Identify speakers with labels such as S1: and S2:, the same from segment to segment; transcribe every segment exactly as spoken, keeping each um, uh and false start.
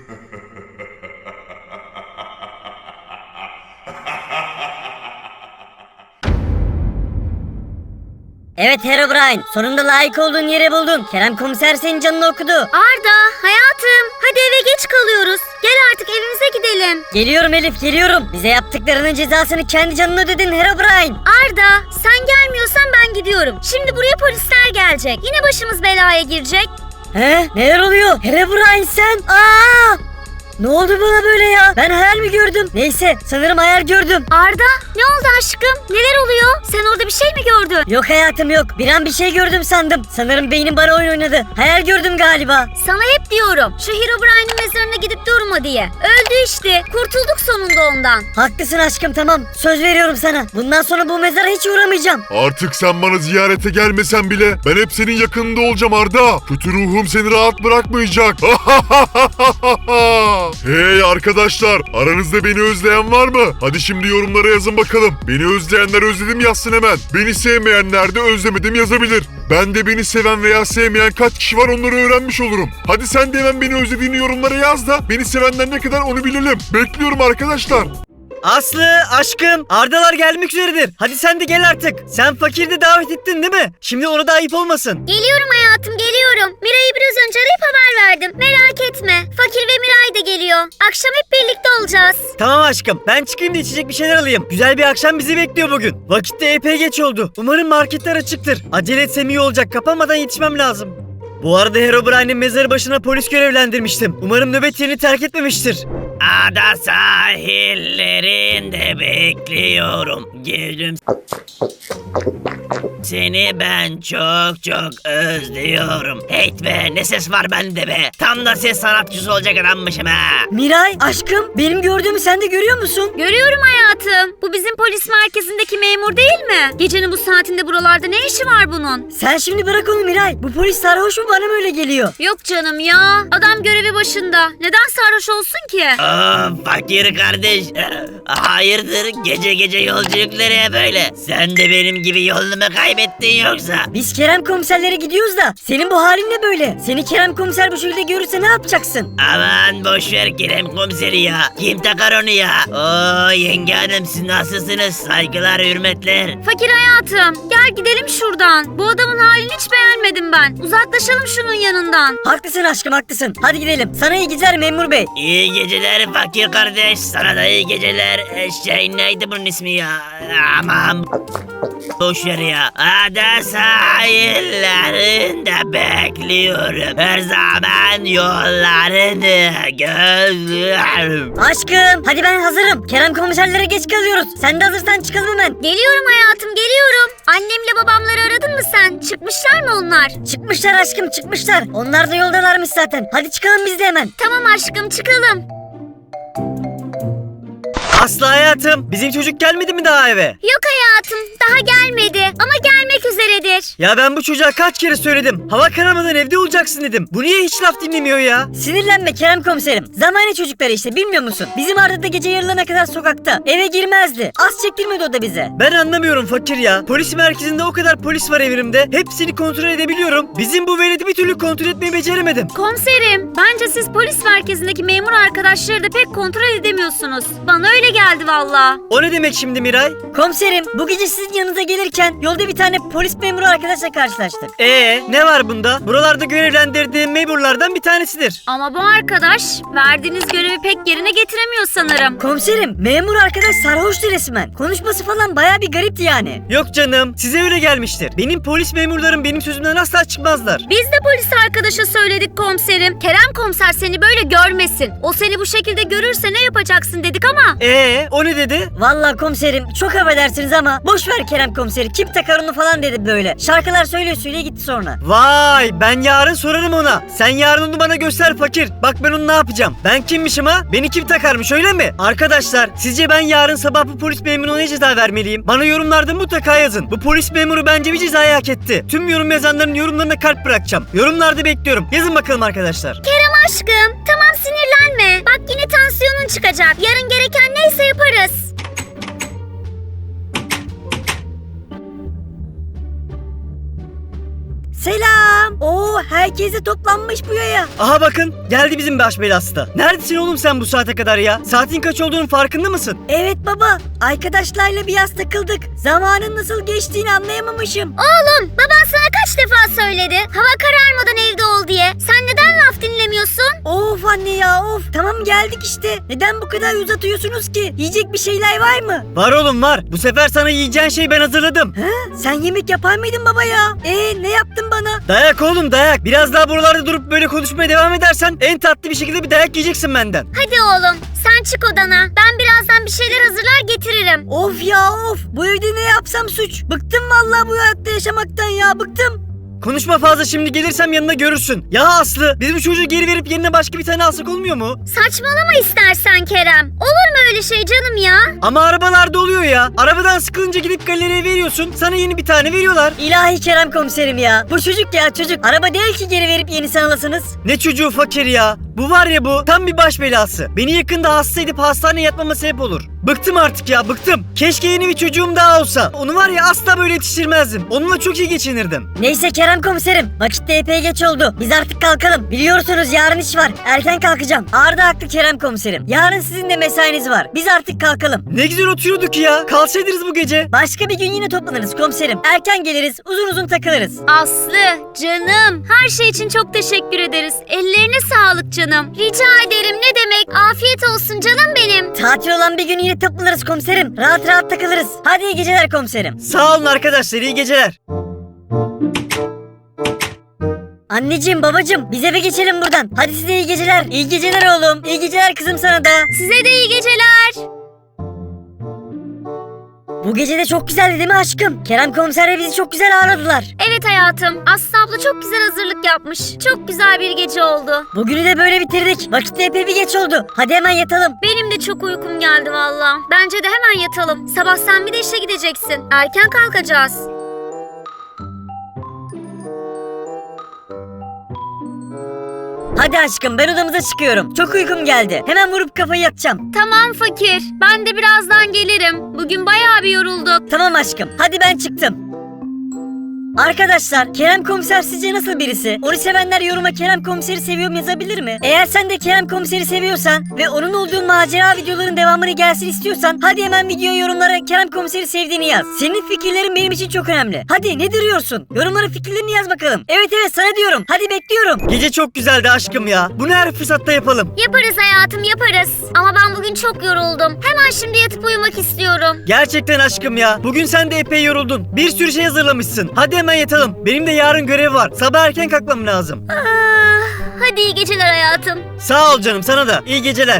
S1: Evet Herobrine, sonunda layık olduğun yeri buldun. Kerem komiser senin canını okudu.
S2: Arda, hayatım, hadi eve geç kalıyoruz. Gel artık evimize gidelim.
S1: Geliyorum Elif, geliyorum. Bize yaptıklarının cezasını kendi canına ödedin Herobrine.
S2: Arda, sen gelmiyorsan ben gidiyorum. Şimdi buraya polisler gelecek. Yine başımız belaya girecek.
S1: He? Neler oluyor? Herobrine sen? Aa! Ne oldu bana böyle ya? Ben hayal mi gördüm? Neyse, sanırım hayal gördüm.
S2: Arda, ne oldu aşkım? Neler oluyor? Sen orada bir şey mi gördün?
S1: Yok hayatım yok. Bir an bir şey gördüm sandım. Sanırım beynim bana oyun oynadı. Hayal gördüm galiba.
S2: Sana hep diyorum. Şu Herobrine'in mezarına gidip durma diye. Öldü işte. Kurtulduk sonunda ondan.
S1: Haklısın aşkım, tamam. Söz veriyorum sana. Bundan sonra bu mezara hiç uğramayacağım.
S3: Artık sen bana ziyarete gelmesen bile ben hep senin yakınında olacağım Arda. Kötü ruhum seni rahat bırakmayacak. Hey arkadaşlar, aranızda beni özleyen var mı? Hadi şimdi yorumlara yazın bakalım. Beni özleyenler özledim yazsın hemen. Beni sevmeyenler de özlemedim yazabilir. Ben de beni seven veya sevmeyen kaç kişi var onları öğrenmiş olurum. Hadi sen de hemen beni özlediğini yorumlara yaz da beni sevenler ne kadar onu bilelim. Bekliyorum arkadaşlar.
S4: Aslı, aşkım, Ardalar gelmek üzeredir. Hadi sen de gel artık. Sen Fakir'i de davet ettin değil mi? Şimdi ona da ayıp olmasın.
S2: Geliyorum hayatım, geliyorum. Miray'ı biraz önce arayıp haber verdim. Merak etme. Fakir ve Miray da geliyor. Akşam hep birlikte olacağız.
S4: Tamam aşkım, ben çıkayım da içecek bir şeyler alayım. Güzel bir akşam bizi bekliyor bugün. Vakit de epey geç oldu. Umarım marketler açıktır. Acele etsem iyi olacak. Kapanmadan yetişmem lazım. Bu arada Herobrine'in mezarı başına polis görevlendirmiştim. Umarım nöbet yerini terk etmemiştir.
S5: Ada sahillerinde bekliyorum. Gülüm. Seni ben çok çok özlüyorum. Heyt be, ne ses var bende be. Tam da ses sanatçısı olacak adammışım ha.
S1: Miray, aşkım, benim gördüğümü sen de görüyor musun?
S2: Görüyorum hayatım. Bu bizim polis merkezindeki memur değil mi? Gecenin bu saatinde buralarda ne işi var bunun?
S1: Sen şimdi bırak onu Miray. Bu polis sarhoş mu, bana mı öyle geliyor?
S2: Yok canım ya. Adam görevi başında. Neden sarhoş olsun ki?
S5: Aa, fakir kardeş. Hayırdır gece gece yolculuk nereye böyle? Sen de benim gibi yolunu mu kaybettin yoksa?
S1: Biz Kerem komiserlere gidiyoruz da senin bu halin ne böyle? Seni Kerem komiser bu şekilde görürse ne yapacaksın?
S5: Aman boşver Kerem komiseri ya. Kim takar onu ya? Oo yenge hanım, siz nasılsınız? Saygılar, hürmetler.
S2: Fakir hayatım, gel gidelim şuradan. Bu adamın halini hiç beğenmedim ben. Uzaklaşalım şunun yanından.
S1: Haklısın aşkım, haklısın. Hadi gidelim. Sana iyi geceler memur bey.
S5: İyi geceler fakir kardeş. Sana da iyi geceler. Ee, Şey neydi bunun ismi ya? Aman boşver ya. Ada sahillerinde bekliyorum. Her zaman yollarını gözlüyorum.
S1: Aşkım, hadi ben hazırım. Kerem komiserlere geç kalıyoruz. Sen de hazırsan çıkalım hemen.
S2: Geliyorum hayatım, geliyorum. Annemle babamları aradın mı sen? Çıkmışlar mı onlar?
S1: Çıkmışlar aşkım, çıkmışlar. Onlar da yoldalarmış zaten. Hadi çıkalım biz de hemen.
S2: Tamam aşkım, çıkalım.
S4: Aslı hayatım, bizim çocuk gelmedi mi daha eve?
S2: Yok hayatım, daha gelmedi ama gelmek üzeredir.
S4: Ya ben bu çocuğa kaç kere söyledim. Hava kararmadan evde olacaksın dedim. Bu niye hiç laf dinlemiyor ya?
S1: Sinirlenme Kerem komiserim. Zamane çocukları işte, bilmiyor musun? Bizim Arda da gece yarılarına kadar sokakta. Eve girmezdi. Az çektirmedi o da bize.
S4: Ben anlamıyorum fakir ya. Polis merkezinde o kadar polis var evimde. Hepsini kontrol edebiliyorum. Bizim bu veledi bir türlü kontrol etmeyi beceremedim.
S2: Komiserim, bence siz polis merkezindeki memur arkadaşları da pek kontrol edemiyorsunuz. Bana öyle geldi valla.
S4: O ne demek şimdi Miray?
S1: Komiserim, bu gece sizin yanınıza gelirken yolda bir tane polis memuru arkadaşla karşılaştık.
S4: Ee, ne var bunda? Buralarda görevlendirdiğim memurlardan bir tanesidir.
S2: Ama bu arkadaş verdiğiniz görevi pek yerine getiremiyor sanırım.
S1: Komiserim, memur arkadaş sarhoştu resmen. Konuşması falan baya bir garipti yani.
S4: Yok canım, size öyle gelmiştir. Benim polis memurlarım benim sözümden asla çıkmazlar.
S2: Biz de polis arkadaşa söyledik komiserim. Kerem komiser seni böyle görmesin. O seni bu şekilde görürse ne yapacaksın dedik ama.
S4: Ee, o ne dedi?
S1: Vallahi komiserim, çok affedersiniz ama boş ver Kerem komiseri. Kim takar onu falan dedi böyle. Şarkılar söylüyor söyleye gitti sonra.
S4: Vay, ben yarın sorarım ona. Sen yarın onu bana göster fakir. Bak ben onu ne yapacağım. Ben kimmişim ha? Beni kim takarmış öyle mi? Arkadaşlar, sizce ben yarın sabah bu polis memuruna ne ceza vermeliyim? Bana yorumlarda mutlaka yazın. Bu polis memuru bence bir cezayı hak etti. Tüm yorum yazanların yorumlarına kalp bırakacağım. Yorumlarda bekliyorum. Yazın bakalım arkadaşlar.
S2: Kerem aşkım, tamam sinirlenme. Bak yine tansiyonun çıkacak. Yarın gereken neyse yaparız.
S1: Selam. Kerem. Oo, herkes de toplanmış bu yaya.
S4: Aha bakın geldi bizim baş belası da. Neredesin oğlum sen bu saate kadar ya? Saatin kaç olduğunun farkında mısın?
S1: Evet baba, arkadaşlarla biraz takıldık. Zamanın nasıl geçtiğini anlayamamışım.
S2: Oğlum baban sana kaç defa söyledi hava kararmadan evde ol diye. Sen neden laf dinlemiyorsun?
S1: Of anne ya of. Tamam geldik işte. Neden bu kadar uzatıyorsunuz ki? Yiyecek bir şeyler var mı?
S4: Var oğlum var. Bu sefer sana yiyeceğin şey ben hazırladım.
S1: He? Sen yemek yapar mıydın baba ya? Ee ne yaptın bana?
S4: Dayak oğlum dayak. Biraz daha buralarda durup böyle konuşmaya devam edersen en tatlı bir şekilde bir dayak yiyeceksin benden.
S2: Hadi oğlum sen çık odana. Ben birazdan bir şeyler hazırlar getiririm.
S1: Of ya of. Bu evde ne yapsam suç. Bıktım vallahi bu hayatta yaşamaktan ya. Bıktım.
S4: Konuşma fazla, şimdi gelirsem yanına görürsün. Ya Aslı, biz bu çocuğu geri verip yerine başka bir tane alsak olmuyor mu?
S2: Saçmalama istersen Kerem. Olur mu öyle şey canım ya?
S4: Ama arabalarda oluyor ya. Arabadan sıkılınca gidip galeriye veriyorsun. Sana yeni bir tane veriyorlar.
S1: İlahi Kerem komiserim ya. Bu çocuk ya çocuk. Araba değil ki geri verip yenisini alasınız.
S4: Ne çocuğu fakir ya. Bu var ya bu tam bir baş belası. Beni yakında hasta edip hastaneye yatmama sebep olur. Bıktım artık ya bıktım. Keşke yeni bir çocuğum daha olsa. Onu var ya asla böyle yetiştirmezdim. Onunla çok iyi geçinirdim.
S1: Neyse Kerem komiserim. Vakit de epey geç oldu. Biz artık kalkalım. Biliyorsunuz yarın iş var. Erken kalkacağım. Arda haklı Kerem komiserim. Yarın sizin de mesainiz var. Biz artık kalkalım.
S4: Ne güzel oturuyorduk ya. Kalsaydınız bu gece.
S1: Başka bir gün yine toplanırız komiserim. Erken geliriz. Uzun uzun takılırız.
S2: Aslı, canım. Her şey için çok teşekkür ederiz. Ellerine sağlık canım. Rica ederim ne demek. Afiyet olsun canım benim.
S1: Tatil olan bir gün yine toplanırız komiserim. Rahat rahat takılırız. Hadi iyi geceler komiserim.
S4: Sağ olun arkadaşlar, iyi geceler.
S1: Anneciğim babacığım biz eve geçelim buradan. Hadi size iyi geceler. İyi geceler oğlum. İyi geceler kızım sana da.
S2: Size de iyi geceler.
S1: Bu gece de çok güzeldi değil mi aşkım? Kerem komiserle bizi çok güzel ağırladılar.
S2: Evet hayatım. Aslı abla çok güzel hazırlık yapmış. Çok güzel bir gece oldu.
S1: Bugünü de böyle bitirdik. Vakit de epey bir geç oldu. Hadi hemen yatalım.
S2: Benim de çok uykum geldi valla. Bence de hemen yatalım. Sabah sen bir de işe gideceksin. Erken kalkacağız.
S1: Hadi aşkım ben odamıza çıkıyorum. Çok uykum geldi. Hemen vurup kafayı yatacağım.
S2: Tamam fakir. Ben de birazdan gelirim. Bugün bayağı bir yorulduk.
S1: Tamam aşkım. Hadi ben çıktım. Arkadaşlar Kerem komiser sizce nasıl birisi? Onu sevenler yoruma Kerem komiseri seviyorum yazabilir mi? Eğer sen de Kerem komiseri seviyorsan ve onun olduğu macera videoların devamını gelsin istiyorsan hadi hemen video yorumlara Kerem komiseri sevdiğini yaz. Senin fikirlerin benim için çok önemli. Hadi ne duruyorsun? Yorumlara fikirlerini yaz bakalım. Evet evet sana diyorum. Hadi bekliyorum.
S4: Gece çok güzeldi aşkım ya. Bunu her fırsatta yapalım.
S2: Yaparız hayatım yaparız. Ama ben bugün çok yoruldum. Hemen şimdi yatıp uyumak istiyorum.
S4: Gerçekten aşkım ya. Bugün sen de epey yoruldun. Bir sürü şey hazırlamışsın. Hadi hemen yatalım. Benim de yarın görev var. Sabah erken kalkmam lazım.
S2: Ah, hadi iyi geceler hayatım.
S4: Sağ ol canım, sana da. İyi geceler.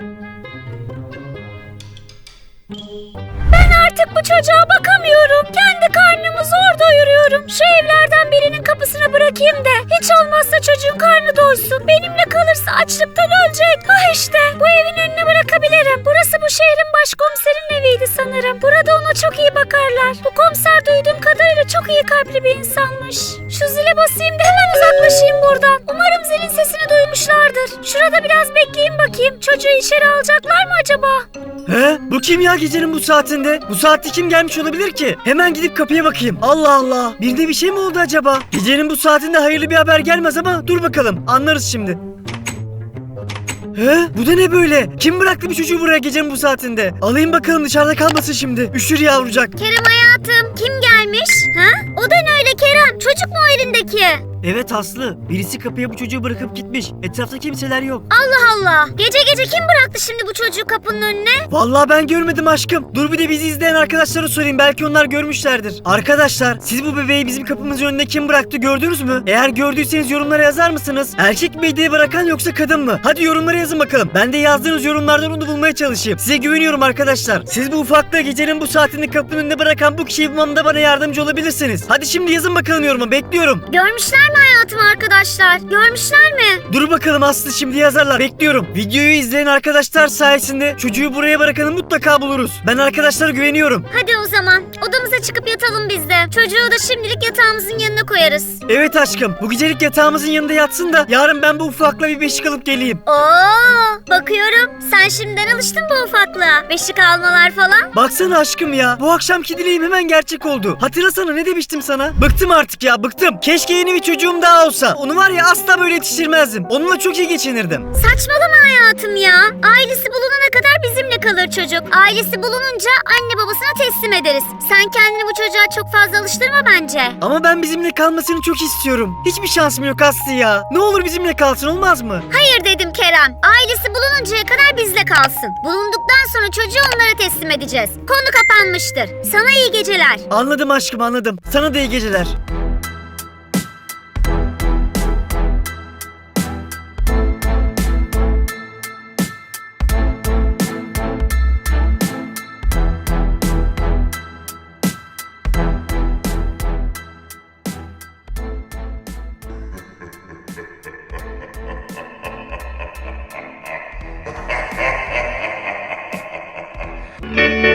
S2: Ben artık bu çocuğa bakamıyorum. Kendi karnımı zor doyuruyorum. Şu evlerden birinin kapısına bırakayım da hiç olmazsa çocuğun karnı doysun. Benimle kalırsa açlıktan ölecek. Ah işte bu evin önüne bırakabilirim. Burası bu şehrin başkomiserin eviydi sanırım. Burada ona çok iyi bakarlar. Bu komiser duyduğum kadarıyla çok iyi kalpli bir insanmış. Şu zile basayım da hemen uzaklaşayım buradan. Umarım zilin sesini duymuşlardır. Şurada biraz bekleyeyim bakayım. Çocuğu içeri alacaklar mı acaba?
S4: He? Bu kim ya gecenin bu saatinde? Bu saatte kim gelmiş olabilir ki? Hemen gidip kapıya bakayım. Allah Allah. Birinde bir şey mi oldu acaba? Gecenin bu saatinde hayırlı bir haber gelmez ama dur bakalım. Anlarız şimdi. He? Bu da ne böyle? Kim bıraktı bir çocuğu buraya gecenin bu saatinde? Alayım bakalım dışarıda kalmasın şimdi. Üşür yavrucak.
S2: Kerem hayatım kim gelmiş? Ha? O da ne öyle Kerem? Çocuk mu o elindeki?
S4: Evet Aslı. Birisi kapıya bu çocuğu bırakıp gitmiş. Etrafta kimseler yok.
S2: Allah Allah. Gece gece kim bıraktı şimdi bu çocuğu kapının önüne?
S4: Vallahi ben görmedim aşkım. Dur bir de bizi izleyen arkadaşlara sorayım. Belki onlar görmüşlerdir. Arkadaşlar siz bu bebeği bizim kapımızın önüne kim bıraktı gördünüz mü? Eğer gördüyseniz yorumlara yazar mısınız? Erkek miydi bırakan yoksa kadın mı? Hadi yorumlara yazın bakalım. Ben de yazdığınız yorumlardan onu bulmaya çalışayım. Size güveniyorum arkadaşlar. Siz bu ufaklığı gecenin bu saatinde kapının önüne bırakan bu kişiyi bulmamda bana yardımcı olabilirsiniz. Hadi şimdi yazın bakalım yoruma. Bekliyorum.
S2: Görmüşler mi hayatım arkadaşlar? Görmüşler mi?
S4: Dur bakalım Aslı, şimdi yazarlar. Bekliyorum. Videoyu izleyen arkadaşlar sayesinde çocuğu buraya bırakanı mutlaka buluruz. Ben arkadaşlara güveniyorum.
S2: Hadi o zaman odamıza çıkıp yatalım biz de. Çocuğu da şimdilik yatağımızın yanına koyarız.
S4: Evet aşkım. Bu gecelik yatağımızın yanında yatsın da yarın ben bu ufakla bir beşik alıp geleyim.
S2: Oo, bakıyorum sen şimdiden alıştın bu ufaklığa. Beşik almalar falan.
S4: Baksana aşkım ya. Bu akşamki dileğim hemen gerçek oldu. Hatta Hatırlasana ne demiştim sana? Bıktım artık ya bıktım. Keşke yeni bir çocuğum daha olsa. Onu var ya asla böyle yetiştirmezdim. Onunla çok iyi geçinirdim.
S2: Saçmalama hayatım ya. Ailesi bulunana kadar bizimle kalır çocuk. Ailesi bulununca anne babasına teslim ederiz. Sen kendini bu çocuğa çok fazla alıştırma bence.
S4: Ama ben bizimle kalmasını çok istiyorum. Hiçbir şansım yok Aslı ya. Ne olur bizimle kalsın olmaz mı?
S2: Hayır dedim Kerem. Ailesi bulununcaya kadar bizle kalsın. Bulunduktan sonra çocuğu onlara teslim edeceğiz. Konu kapanmıştır. Sana iyi geceler.
S4: Anladım aşkım anladım. Sana da iyi geceler.
S3: Thank you.